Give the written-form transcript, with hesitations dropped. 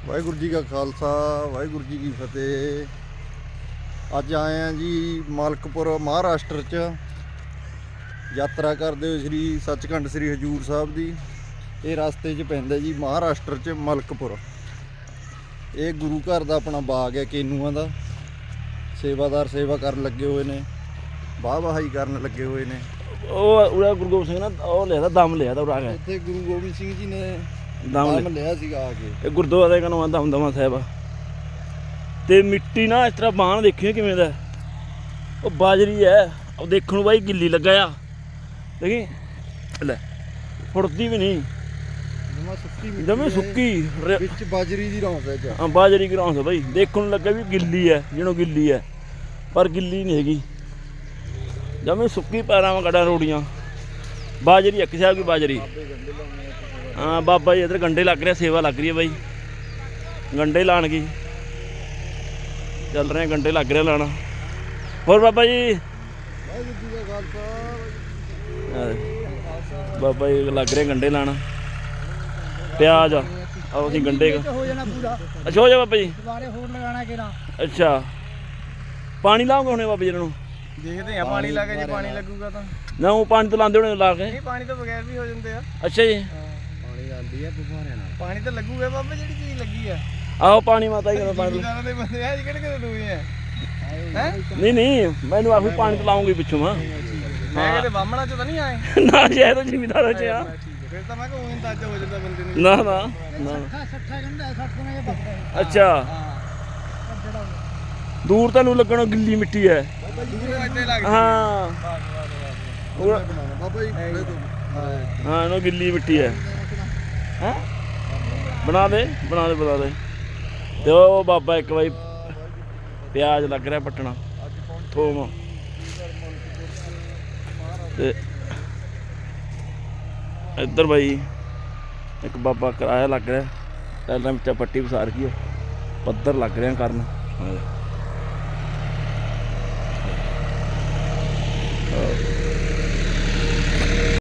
ਵਾਹਿਗੁਰੂ ਜੀ ਕਾ ਖਾਲਸਾ ਵਾਹਿਗੁਰੂ ਜੀ ਕੀ ਫਤਿਹ। ਅੱਜ ਆਏ ਆ ਜੀ ਮਲਕਪੁਰ ਮਹਾਰਾਸ਼ਟਰ 'ਚ ਯਾਤਰਾ ਕਰਦੇ ਹੋਏ ਸ੍ਰੀ ਸੱਚਖੰਡ ਸ੍ਰੀ ਹਜੂਰ ਸਾਹਿਬ ਦੀ। ਇਹ ਰਸਤੇ 'ਚ ਪੈਂਦਾ ਜੀ ਮਹਾਰਾਸ਼ਟਰ 'ਚ ਮਲਕਪੁਰ। ਇਹ ਗੁਰੂ ਘਰ ਦਾ ਆਪਣਾ ਬਾਗ ਹੈ ਕੇਨੂਆਂ ਦਾ। ਸੇਵਾਦਾਰ ਸੇਵਾ ਕਰਨ ਲੱਗੇ ਹੋਏ ਨੇ, ਵਾਹ ਵਹਾਈ ਕਰਨ ਲੱਗੇ ਹੋਏ ਨੇ। ਉਹ ਉਹਦਾ ਗੁਰੂ ਗੋਬਿੰਦ ਸਿੰਘ ਨਾ ਉਹ ਲਿਆ ਦਮ ਲਿਆ ਤਾਂ ਉਰਾ ਗਿਆ ਇੱਥੇ ਗੁਰੂ ਗੋਬਿੰਦ ਸਿੰਘ ਜੀ ਨੇ ਦਮ ਲਿਆ ਸੀਗਾ ਆ ਕੇ। ਇਹ ਗੁਰਦੁਆਰੇ ਦਾ ਨਾਮ ਦਮਦਮਾ ਸਾਹਿਬ ਆ। ਤੇ ਮਿੱਟੀ ਨਾ ਇਸ ਤਰ੍ਹਾਂ ਬਾਣ ਦੇਖਿਓ ਕਿਵੇਂ ਦਾ, ਉਹ ਬਾਜਰੀ ਹੈ। ਉਹ ਦੇਖਣ ਨੂੰ ਬਾਈ ਗਿੱਲੀ ਲੱਗਾ ਆ, ਦੇਖੀ ਲੈ ਫੁੱਟਦੀ ਵੀ ਨਹੀਂ, ਜਮੇ ਸੁੱਕੀ ਵਿੱਚ ਬਾਜਰੀ ਦੀ ਰੌਂਸ ਹੈ। ਹਾਂ ਬਾਜਰੀ ਦੀ ਰੌਂਸ ਬਾਈ, ਦੇਖਣ ਨੂੰ ਲੱਗਾ ਵੀ ਗਿੱਲੀ ਹੈ, ਜਿਹਨੂੰ ਗਿੱਲੀ ਹੈ ਪਰ ਗਿੱਲੀ ਨਹੀਂ ਹੈਗੀ, ਜਮੇ ਸੁੱਕੀ। ਪੈਰਾਂ ਵਾਂ ਗੜਾ ਰੋੜੀਆਂ ਬਾਜਰੀ ਇੱਕ ਸਾਹਿਬ ਦੀ ਬਾਜਰੀ। ਹਾਂ ਬਾਬਾ ਜੀ ਇੱਧਰ ਗੰਡੇ ਲੱਗ ਰਿਹਾ, ਸੇਵਾ ਲੱਗ ਰਹੀ ਹੈ ਬਾਈ, ਗੰਡੇ ਲਾਣ ਗਈ ਚੱਲ ਰਹੇ ਗੰਡੇ ਲੱਗ ਰਿਹਾ ਲਾਣਾ। ਹੋਰ ਬਾਬਾ ਜੀ ਬਾਬਾ ਜੀ ਲੱਗ ਰਹੇ ਗੰਡੇ ਲਾਣਾ, ਪਿਆਜ਼ ਆਓ ਅਸੀਂ ਗੰਡੇ ਅੱਛਾ ਹੋ ਜਾ ਬਾਬਾ ਜੀ। ਅੱਛਾ ਪਾਣੀ ਲਾਓਗੇ ਹੁਣੇ ਬਾਬਾ ਜੀ ਇਹਨਾਂ ਨੂੰ? ਦੇਖਦੇ ਆ ਪਾਣੀ ਲਾ ਕੇ, ਜੇ ਪਾਣੀ ਲੱਗੂਗਾ ਤਾਂ ਨਾ ਉਹ ਪਾਣੀ ਤੋਂ ਲਾਉਂਦੇ ਹੋਣੇ ਲਾ ਕੇ। ਨਹੀਂ ਪਾਣੀ ਤੋਂ ਬਗੈਰ ਵੀ ਹੋ ਜਾਂਦੇ ਆ। ਅੱਛਾ ਜੀ ਪਾਣੀ ਲਾਉਂਦੀ ਆ ਬੁਖਾਰਿਆਂ ਨਾਲ, ਪਾਣੀ ਤਾਂ ਲੱਗੂਗਾ ਬਾਬਾ, ਜਿਹੜੀ ਚੀਜ਼ ਲੱਗੀ ਆ। ਆਹੋ ਪਾਣੀ ਮਾਤਾ ਹੀ ਕਹਿੰਦਾ ਪਾਣੀ ਜ਼ਿਮੀਦਾਰਾਂ ਦੇ ਬੰਦੇ ਆ ਕਿਹੜੇ ਕਿਹੜੇ ਦੂਏ ਆ। ਨਹੀਂ ਨਹੀਂ ਮੈਨੂੰ ਆਖੂ ਪਾਣੀ ਤੋਂ ਲਾਉਂਗੀ ਪਿੱਛੋਂ ਮੈਂ ਕਿਤੇ ਬਾਹਮਣਾ ਚ ਤਾਂ ਨਹੀਂ ਆਏ ਨਾ ਸ਼ਾਇਦ ਉਹ ਜ਼ਿਮੀਦਾਰਾਂ ਚ ਆ। ਫਿਰ ਤਾਂ ਮੈਂ ਕਿਹਾ ਉਹ ਅੰਦਾਜ਼ਾ ਹੋ ਜਾਂਦਾ ਬੰਦੇ ਨੂੰ। ਨਾ ਨਾ ਨਾ ਅੱਛਾ ਦੂਰ ਤੁਹਾਨੂੰ ਲੱਗਣਾ ਗਿੱਲੀ ਮਿੱਟੀ ਹੈ। ਹਾਂ ਬਾਬਾ ਜੀ ਹਾਂ ਇਹਨੂੰ ਗਿੱਲੀ ਮਿੱਟੀ ਹੈ। ਹੈਂ ਬਣਾ ਦੇ ਬਣਾ ਦੇ ਬਣਾ ਦੇ। ਤੇ ਉਹ ਬਾਬਾ ਇੱਕ ਵਾਰੀ ਪਿਆਜ਼ ਲੱਗ ਰਿਹਾ ਪੱਟਣਾ, ਥੋਮ। ਤੇ ਇੱਧਰ ਬਾਈ ਇੱਕ ਬਾਬਾ ਕਿਰਾਇਆ ਲੱਗ ਰਿਹਾ, ਪਹਿਲਾਂ ਵਿੱਚ ਪੱਟੀ ਵਸਾਰ ਗਈ, ਪੱਧਰ ਲੱਗ ਰਿਹਾ ਕਰਨ।